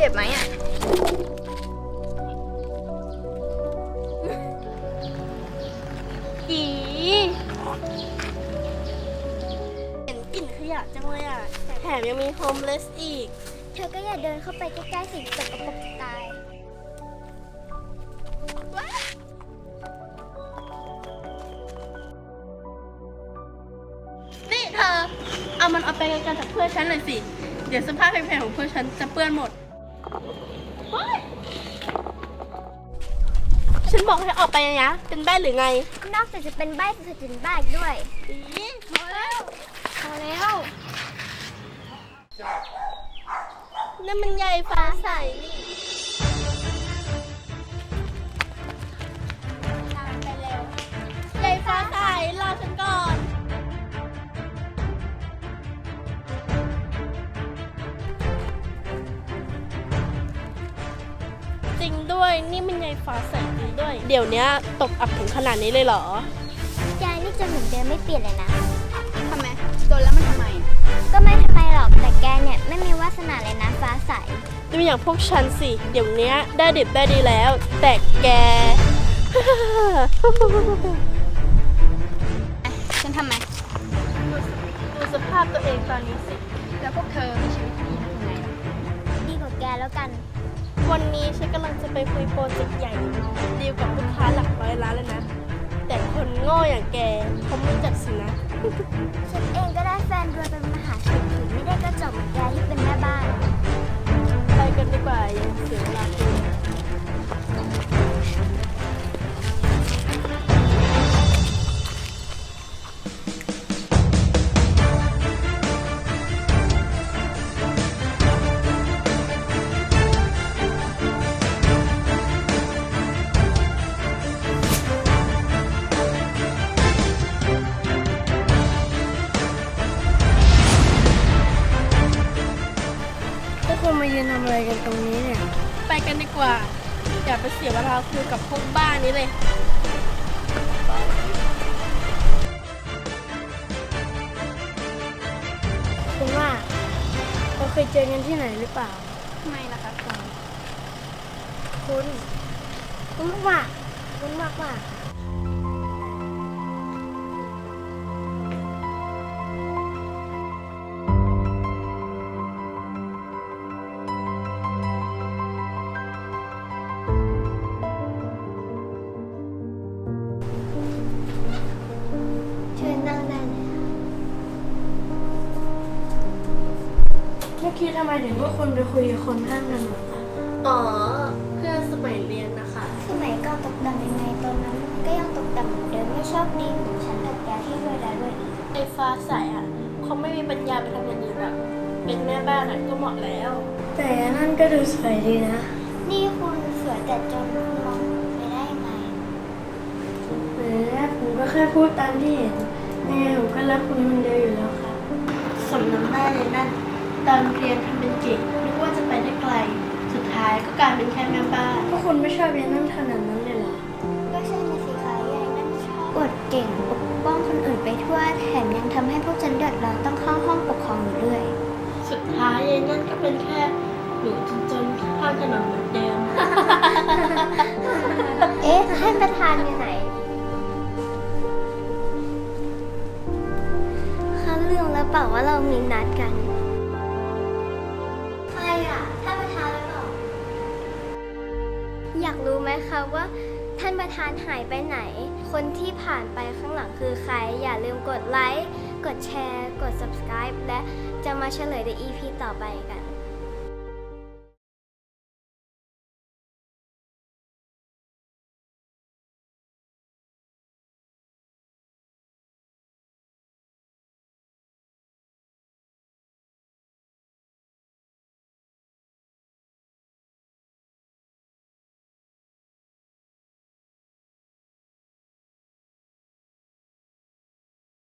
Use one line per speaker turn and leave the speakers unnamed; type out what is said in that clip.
บไหมอ่ะ
อีเห็นกลิ่นขยะจังเลยอ่ะแถมยังมีโฮมเลสอีก
เธอก็อย่าเดินเข้าไปใกล้ๆสิ่งสกปรกจะตาย
นี่เธอเอามันเอาไปไกลๆจากเพื่อนฉันหน่อยสิเดี๋ยวเสื้อผ้าแพงๆของเพื่อนฉันจะเปื้อนหมดฉันบอกให้ออกไปนะเป็นบ้าหรือไง
นอกจากจะเป็นใบ้จะเป็นบ้าอีกด้วยพอแล้ว
นั่นมันใยฟ้าใสนี่
ตามไปเร็ว
ใยฟ้าใสรอฉันก่อนจริงด้วยนี่มันใยฟ้าใสจริงด้วยเดี๋ยวนี้ตกอับถึงขนาดนี้เลยเหรอ
แกนี่จะเหมือนเดิมไม่เปลี่ยนเลยนะ
ทำไมโดนแล้วมันทำไม
ก็ไม่ทำไมหรอกแต่แกเนี่ยไม่มีวาสนาเลยนะฟ้าใส
ดูอย่างพวกฉันสิเดี๋ยวนี้ได้ดิบได้ดีแล้ว แต่แก
ฉันทำไม
ดูสภาพตัวเองตอนนี้สิ
แล้วพวกเธอมีชีวิตดีนะยังไงล่ะ
ดีกว่าแกแล้วกัน
วันนี้ฉันกำลังจะไปคุยโปรเจกต์ใหญ่ดีลกับลูกค้าหลักร้อยล้านเลยนะ แต่คนโง่อย่างแกเขาไม่รู้จักสินะ
ฉันเองก็ได้แฟนรวยเป็นมหาเศรษฐีไม่ได้กระจอกเหมือนแกที่เป็นแม่บ้าน
ไปกันดีกว่าอย่าเสียเวลาคุย
พวกคุณมายืนทำอะไรกันตรงนี้เนี่ย
ไปกันดีกว่าอย่าไปเสียเวลาคุยกับพวกบ้านนี้เลย
คุณว่าเราเคยเจอกันที่ไหนหรือเปล่า
ทำไมล่ะคะคุณ
คุณมากคุณมาก
เชิญนั่งได้เลยค่ะ
เมื่อกี้ทำไมถึงว่าคุณไปคุยกับคนข้างถนนล่ะ
อ๋อเพื่อนสมัยเรียนนะคะ
สมัยก่อนตกต่ำยังไงตอนนั้นก็ยังตกต่ำเหมือนเดิมไม่ชอบดีเหมือนฉันกับแกที่รวยแล้วรวยอีก
ไอ้ฟ้าใสอ่ะเขาไม่มีปัญญาไปทำอย่างอื่นหรอกเป็นแม่บ้านอ่ะก็เหมาะแล้ว
แต่อันนั่นก็ดูสวยดีนะ
นี่คุณสวยแต่จนคุณมองไม่ได้ยังไง
แหมผมก็แค่พูดตามที่เห็นยังไงผมก็รักคุณคนเดียวอยู่แล้วครับ
สมน้ำหน้าเลยนั่นตอนเรียนทำเป็นเก่งนึกว่าจะไปได้ไกล สุดท้ายก็กลายเป็นแค่แม่บ้าน
พวกคุณไม่ชอบยันนั่นขนาดนั้นเลยเหรอ
ก็ใช่นะสิคะยายนั่นชอบอวดเก่งปกป้องคนอื่นไปทั่วแถมยังทำให้พวกฉันเดือดร้อนต้องเข้าห้องปกครองอยู่เรื่อย
สุดท้ายยายนั่นก็เป็นแค่หนูจนข้างถนนเหมือนเดิม
เอ๊ะท่านประธานอยู่ไหนเขาลืมแล้วเปล่าว่าเรามีนัดกันใครอ่ะท่านประธานหรือเปล่าอยากรู้ไหมคะว่าท่านประธานหายไปไหน คนที่ผ่านไปข้างหลังคือใครอย่าลืมกดไลค์กดแชร์กด subscribe และจะมาเฉลยใน EP ต่อไปกัน